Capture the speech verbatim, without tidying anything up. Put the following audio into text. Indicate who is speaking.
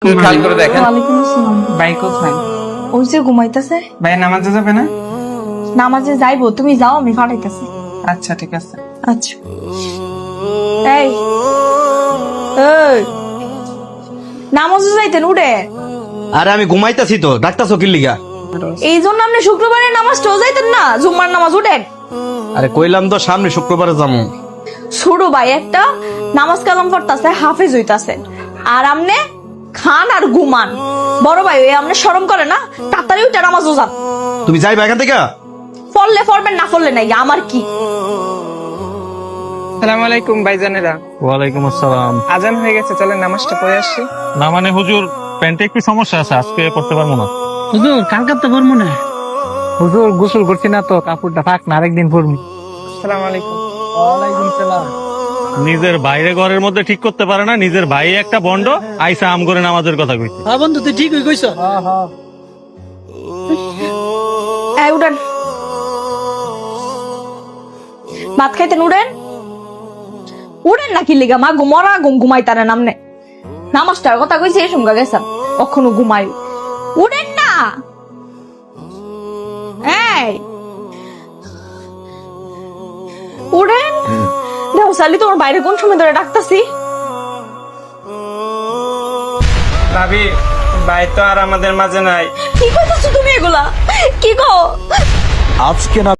Speaker 1: খেয়াল করে দেখেন।
Speaker 2: ওয়ালাইকুম আসসালাম।
Speaker 1: ভাই কোথায়?
Speaker 2: ওই যে ঘুমাইতেছে।
Speaker 1: ভাই নামাজে যাবে না?
Speaker 2: নামাজে যাইবো, তুমি যাও, আমি পাঠাইতেছি।
Speaker 1: আচ্ছা ঠিক আছে।
Speaker 2: আচ্ছা। এই এই নামাজে যাইতেন উঠে।
Speaker 3: আরে আমি ঘুমাইতাছি তো, ডাক্তারছো কি লিগা?
Speaker 2: এই জন্য আপনি শুক্রবারের নামাজটাও যাইতেন না, জুম্মার নামাজ উঠেন।
Speaker 3: আরে কইলাম তো সামনে শুক্রবারে যাবো।
Speaker 2: ছোট ভাই একটা নামাজ কালাম পড়তাছে, হাফেজ হইতাছে, আর আমনে খান আর ঘুমান। বড় ভাই ওই আমনে শরম করে না? তাড়াতাড়ি উঠে নামাজও যান।
Speaker 3: তুমি যাইবা এখান থেকে?
Speaker 2: পড়লে পড়বেন, না পড়লে নাই, আমার কি।
Speaker 1: আসসালামু আলাইকুম ভাইজানেরা।
Speaker 4: ওয়ালাইকুম আসসালাম।
Speaker 1: আজান হয়ে গেছে, চলেন নামাজটা পড়ে আসি।
Speaker 4: না মানে হুজুর, প্যান্টে একটু সমস্যা আছে, আজকে পড়তে পারবো না।
Speaker 5: হুজুর কালকে তো পড়বো না। হুজুর গোসল করছি না তো, কাপড়টা থাক না, আরেকদিন পড়বো।
Speaker 1: আসসালামু আলাইকুম।
Speaker 5: ওয়ালাইকুম সালাম।
Speaker 4: নিজের বাইরে ঘরের মধ্যে ঠিক করতে পারে না, নিজের ভাই একটা বন্ড আইসা আম করে নামাজের কথা কইছে।
Speaker 5: হ্যাঁ বন্ধু, তুই ঠিকই কইছ।
Speaker 2: এই উঠেন, ভাত খাইতেন, উঠেন উঠেন নাকি লিগা মা ঘুমরা ঘুম ঘুমাইতারেন আমনে। নামাজটার কথা কইছে এই সঙ্গে গেছেন, কখনো ঘুমাই। উঠেন না। এই উঠেন। দেখো সালি, তোমার বাইরে কোন সময় ধরে ডাকতাছি।
Speaker 1: ভাবি, ভাই তো আর আমাদের মাঝে নাই।
Speaker 2: কি কইতাছো তুমি এগুলা? কি গো?
Speaker 3: আজকে না